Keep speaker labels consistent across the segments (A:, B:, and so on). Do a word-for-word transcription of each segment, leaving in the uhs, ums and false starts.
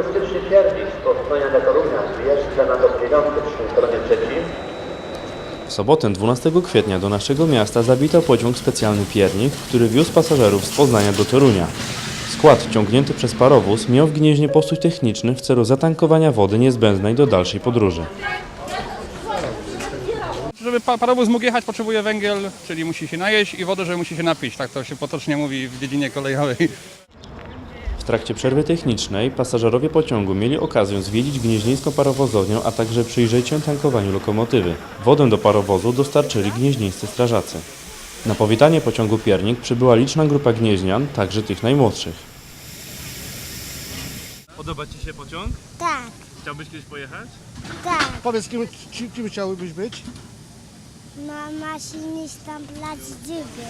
A: turystyczny piernik z Poznania do Torunia zjeżdża na tok dziewiąty przy kolonie trzecim.
B: W sobotę dwunastego kwietnia do naszego miasta zawitał pociąg specjalny Piernik, który wiózł pasażerów z Poznania do Torunia. Skład ciągnięty przez parowóz miał w Gnieźnie postój techniczny w celu zatankowania wody niezbędnej do dalszej podróży.
C: Żeby parowóz mógł jechać, potrzebuje węgiel, czyli musi się najeść, i wodę, że musi się napić. Tak to się potocznie mówi w dziedzinie kolejowej.
B: W trakcie przerwy technicznej pasażerowie pociągu mieli okazję zwiedzić gnieźnieńską parowozownię, a także przyjrzeć się tankowaniu lokomotywy. Wodę do parowozu dostarczyli gnieźnieńscy strażacy. Na powitanie pociągu Piernik przybyła liczna grupa gnieźnian, także tych najmłodszych.
D: Podoba Ci się pociąg?
E: Tak,
D: Chciałbyś kiedyś pojechać?
E: tak.
F: Powiedz, kim, kim, kim chciałbyś być?
E: Ma maszynista plac dziewięć.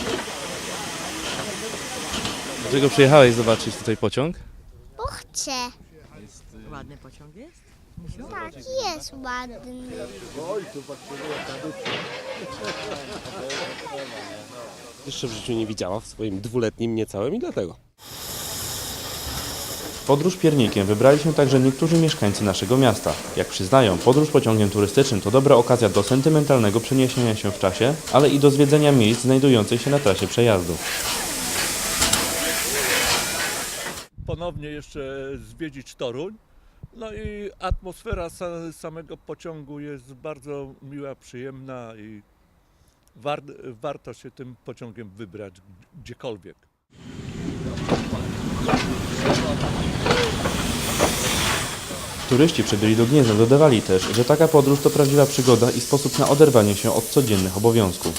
D: Dlaczego przyjechałeś zobaczyć tutaj pociąg?
E: Bo chcę.
G: Ładny pociąg jest?
E: Tak, jest ładny.
H: Jeszcze w życiu nie widziała w swoim dwuletnim niecałym i dlatego.
B: W podróż Piernikiem wybrali się także niektórzy mieszkańcy naszego miasta. Jak przyznają, podróż pociągiem turystycznym to dobra okazja do sentymentalnego przeniesienia się w czasie, ale i do zwiedzenia miejsc znajdujących się na trasie przejazdu.
I: Ponownie jeszcze zwiedzić Toruń. No i atmosfera sa- samego pociągu jest bardzo miła, przyjemna i war- warto się tym pociągiem wybrać gdziekolwiek.
B: Turyści przybyli do Gniezna dodawali też, że taka podróż to prawdziwa przygoda i sposób na oderwanie się od codziennych obowiązków.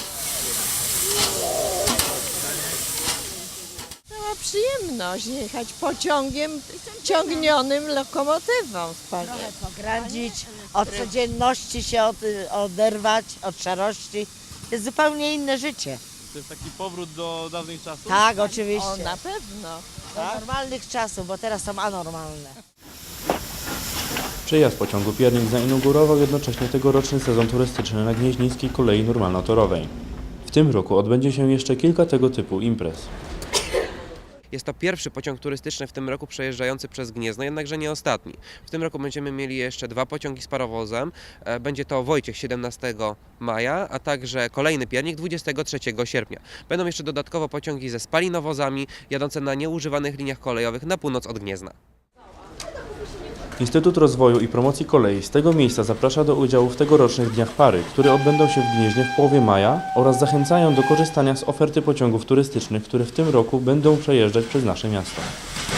G: Była przyjemność jechać pociągiem ciągnionym lokomotywą.
J: Trochę pogradzić, od codzienności się od, oderwać, od szarości. To jest zupełnie inne życie.
D: To jest taki powrót do dawnych czasów?
J: Tak,
G: O,
J: oczywiście.
G: na pewno.
J: Do normalnych czasów, bo teraz są anormalne.
B: Przejazd pociągu Piernik zainaugurował jednocześnie tegoroczny sezon turystyczny na gnieźnieńskiej kolei normalno-torowej. W tym roku odbędzie się jeszcze kilka tego typu imprez.
K: Jest to pierwszy pociąg turystyczny w tym roku przejeżdżający przez Gniezno, jednakże nie ostatni. W tym roku będziemy mieli jeszcze dwa pociągi z parowozem. Będzie to Wojciech siedemnastego maja, a także kolejny Piernik dwudziestego trzeciego sierpnia. Będą jeszcze dodatkowo pociągi ze spalinowozami jadące na nieużywanych liniach kolejowych na północ od Gniezna.
B: Instytut Rozwoju i Promocji Kolei z tego miejsca zaprasza do udziału w tegorocznych Dniach Pary, które odbędą się w Gnieźnie w połowie maja, oraz zachęcają do korzystania z oferty pociągów turystycznych, które w tym roku będą przejeżdżać przez nasze miasto.